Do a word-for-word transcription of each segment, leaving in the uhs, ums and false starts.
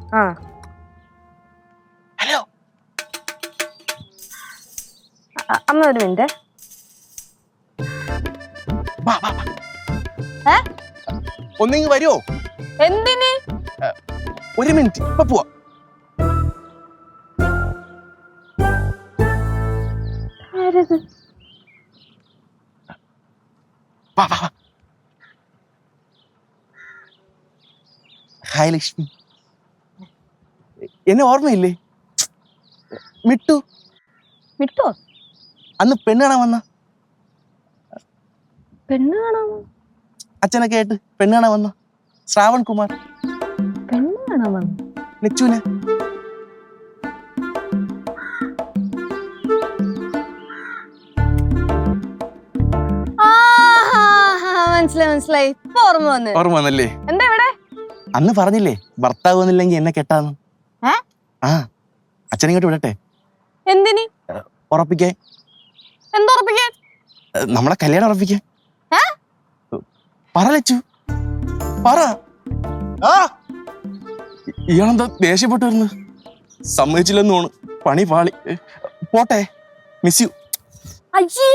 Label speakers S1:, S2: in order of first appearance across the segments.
S1: ആ
S2: ഹലോ
S1: അമ്മ ഒരു മിനിറ്റ്.
S2: ഒന്നിങ്ങ് വരുമോ?
S1: എന്തിന്?
S2: ഒരു മിനിറ്റ് ഇപ്പൊ പോവാ. ഹായ് ലക്ഷ്മി, എന്നെ ഓർമ്മയില്ലേ? മിട്ടു.
S1: മിട്ടോ?
S2: അന്ന് പെണ്ണ് കാണാൻ വന്ന
S1: പെണ്ണ് കാണാമോ?
S2: അച്ഛനൊക്കെ ആയിട്ട് പെണ്ണ് കാണാൻ വന്ന ശ്രാവൺ കുമാർ.
S1: പെണ്ണ് കാണാൻ വന്നു
S2: ലച്ചുവിനെ.
S1: മനസ്സിലായി മനസ്സിലായി, ഇപ്പൊ ഓർമ്മ വന്നു.
S2: ഓർമ്മ വന്നല്ലേ?
S1: എന്താ ഇവിടെ?
S2: അന്ന് പറഞ്ഞില്ലേ ഭർത്താവ് വന്നില്ലെങ്കിൽ എന്നെ കെട്ടാന്ന്. ആ അച്ഛനിങ്ങോട്ട് വിടട്ടെ.
S1: എന്തിനി?
S2: ഉറപ്പിക്കാൻ.
S1: എന്തുറപ്പിക്കാൻ?
S2: നമ്മളെ കല്യാണം ഉറപ്പിക്കാൻ. പറ ലച്ചു, പറ. ഇയാളെന്താ ദേഷ്യപ്പെട്ടു വരുന്നു? സമ്മതിച്ചില്ലെന്ന് തോന്നു. പണി പാളി. പോട്ടെ, മിസ് യു.
S1: അയ്യേ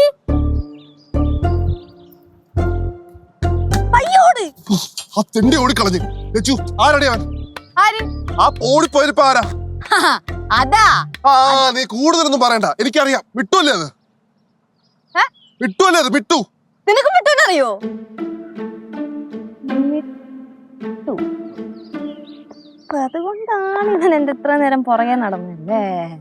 S3: ആ തെണ്ടി ഓടിക്കളഞ്ഞു. ലച്ചു ആരടി അവൻ? ആ ഓടിപ്പോയതിപ്പോ ആരാ?
S1: അതാ.
S3: ആ നീ കൂടുതലൊന്നും പറയണ്ട, എനിക്കറിയാം. വിട്ടുവല്ലേ അത്? വിട്ടുവല്ലേ അത്? വിട്ടു.
S1: നിനക്ക് വിട്ടുവെന്നറിയോ? അതുകൊണ്ടാണ് ഇവൻ എന്റെ ഇത്ര നേരം പുറകെ നടന്നല്ലേ?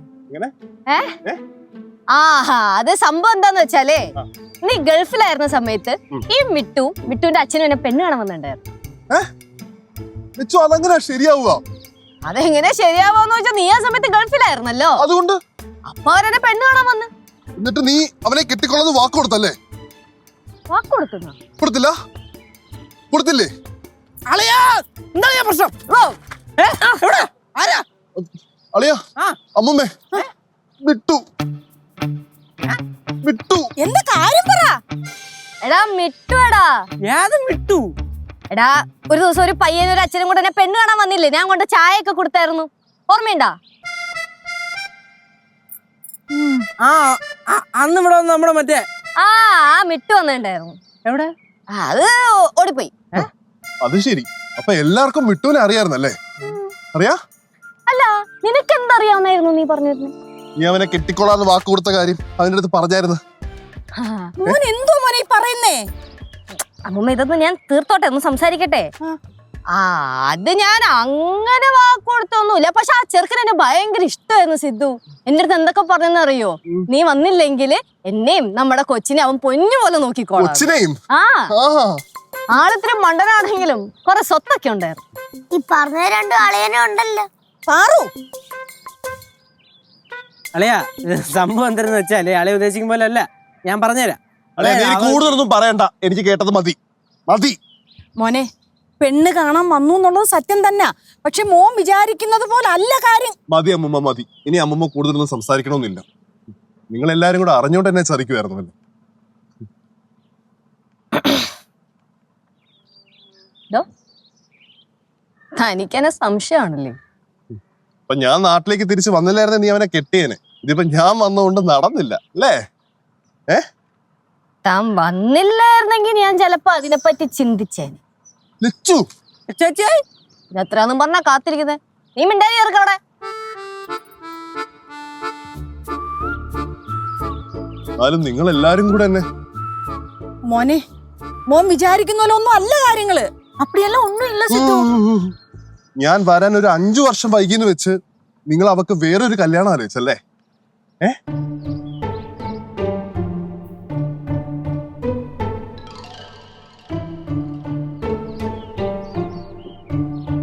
S1: ആഹാ, അത് സംഭവം എന്താന്ന് വെച്ചാലേ, നീ ഗൾഫിലായിരുന്ന സമയത്ത് ഈ മിട്ടു മിട്ടുവിന്റെ അച്ഛനും എന്നെ പെണ്ണ് കാണാൻ വന്നിട്ടുണ്ടായിരുന്നു.
S3: അതെങ്ങനെ ശരിയാവുക?
S1: അതെങ്ങനെ ശരിയാവാന്ന് വെച്ചാൽ നീ ആ സമയത്ത് ഗൾഫിലായിരുന്നല്ലോ, അതുകൊണ്ട് അപ്പൊ അവരെന്നെ പെണ്ണ് കാണാൻ വന്ന്.
S3: എന്നിട്ട് നീ അവനെ കെട്ടിക്കൊള്ളന്ന് വാക്ക് കൊടുത്തല്ലേ?
S1: വാക്ക് കൊടുത്തു?
S3: കൊടുത്തില്ല. കൊടുത്തില്ലേ?
S2: പ്രശ്നം
S3: അളിയാ, അമ്മമ്മേ, വിട്ടു വിട്ടു.
S1: എന്താ കാര്യം പറ. എടാ മിട്ടു, എടാ
S2: ഏത് മിട്ടു?
S1: എടാ ഒരു ദിവസം ഒരു പയ്യനും ഒരു അച്ഛനും കൂടെ എന്നെ പെണ്ണ് കാണാൻ വന്നില്ലേ? ഞാൻ കൊണ്ട് ചായ ഒക്കെ കൊടുത്തായിരുന്നു, ഓർമ്മയുണ്ടാ?
S2: ആ അന്ന് ഇവിടെ നമ്മുടെ മറ്റേ
S1: ആ ആ മിട്ടു വന്നിട്ടുണ്ടായിരുന്നു.
S2: എവിടെ?
S1: അത് ഓടിപ്പോയി.
S3: അത് ശരി. അപ്പൊ എല്ലാവർക്കും വിട്ടുവിനെ അറിയായിരുന്നല്ലേ? അറിയാ?
S1: അല്ല, നിനക്ക് എന്തറിയാവുന്നായിരുന്നു നീ പറഞ്ഞിരുന്നു?
S3: നീ അവനെ കെട്ടിക്കൊള്ളാന്ന് വാക്ക് കൊടുത്ത കാര്യം അതിന്റെ അടുത്ത് പറഞ്ഞായിരുന്നു.
S1: എന്തോ മോനെ പറയുന്നേ? അമ്മൂമ്മ ഇതൊന്നും ഞാൻ തീർത്തോട്ടെ, ഒന്ന് സംസാരിക്കട്ടെ. ആ അത് ഞാൻ അങ്ങനെ വാക്ക് കൊടുത്തൊന്നുമില്ല. പക്ഷെ ആ ചെറുക്കൻ എന്നെ ഭയങ്കര ഇഷ്ടമായിരുന്നു സിദ്ധു. എന്റെ അടുത്ത് എന്തൊക്കെ പറഞ്ഞെന്നറിയോ? നീ വന്നില്ലെങ്കിൽ എന്നെയും നമ്മുടെ കൊച്ചിനെ അവൻ പൊന്നു പോലെ നോക്കിക്കോളാം. ആ ആളിത്തിരി മണ്ടനാണെങ്കിലും കൊറേ സ്വത്തൊക്കെ ഉണ്ടായിരുന്നു.
S4: ഈ പറഞ്ഞ രണ്ടു അളിയനും ഉണ്ടല്ലോ.
S5: അളിയാ, സംഭവം എന്താണെന്ന് വെച്ചാല് അളിയ ഉദ്ദേശിക്കും പോലെ അല്ല, ഞാൻ പറഞ്ഞുതരാം.
S3: കൂടുതലൊന്നും പറയണ്ട, എനിക്ക് കേട്ടത് മതി മതി.
S6: മോനെ, പെണ്ണ് കാണാൻ വന്നു എന്നുള്ളത് സത്യം തന്നെ. പക്ഷെ മോൻ വിചാരിക്കുന്നത് പോലെ അല്ല കാര്യം.
S3: മതി അമ്മമ്മ, മതി. ഇനി അമ്മമ്മ കൂടുതലൊന്നും സംസാരിക്കണമെന്നില്ല. നിങ്ങൾ എല്ലാരും കൂടെ അറിഞ്ഞോണ്ട് എന്നെ ചതിക്കുമായിരുന്നല്ലോ.
S1: തനിക്കെന്നെ സംശയമാണല്ലേ?
S3: അപ്പൊ ഞാൻ നാട്ടിലേക്ക് തിരിച്ചു വന്നില്ലായിരുന്നെ നീ അവനെ കെട്ടിയേനെ. ഇതിപ്പോ ഞാൻ വന്നുകൊണ്ട് നടന്നില്ല അല്ലേ? ഏ
S1: താൻ വന്നില്ലായിരുന്നെങ്കിൽ ഞാൻ ചിലപ്പോ അതിനെപ്പറ്റി ചിന്തിച്ചേനെ. എത്രയാന്നും പറഞ്ഞാ കാത്തിരിക്കുന്നേ? നീ മിണ്ടായി ഇറക്കവിടെ.
S3: എന്നാലും നിങ്ങൾ എല്ലാരും കൂടെ എന്നെ.
S6: മോനെ, മോൻ വിചാരിക്കുന്ന പോലെ ഒന്നും അല്ല കാര്യങ്ങള്. അപ്പടിയല്ല ഒന്നും ഇല്ല സിദ്ധു.
S3: ഞാൻ വരാൻ ഒരു അഞ്ചു വർഷം വൈകിന്ന് വെച്ച് നിങ്ങൾ അവക്ക് വേറൊരു കല്യാണം ആലോചിച്ചല്ലേ? ഏ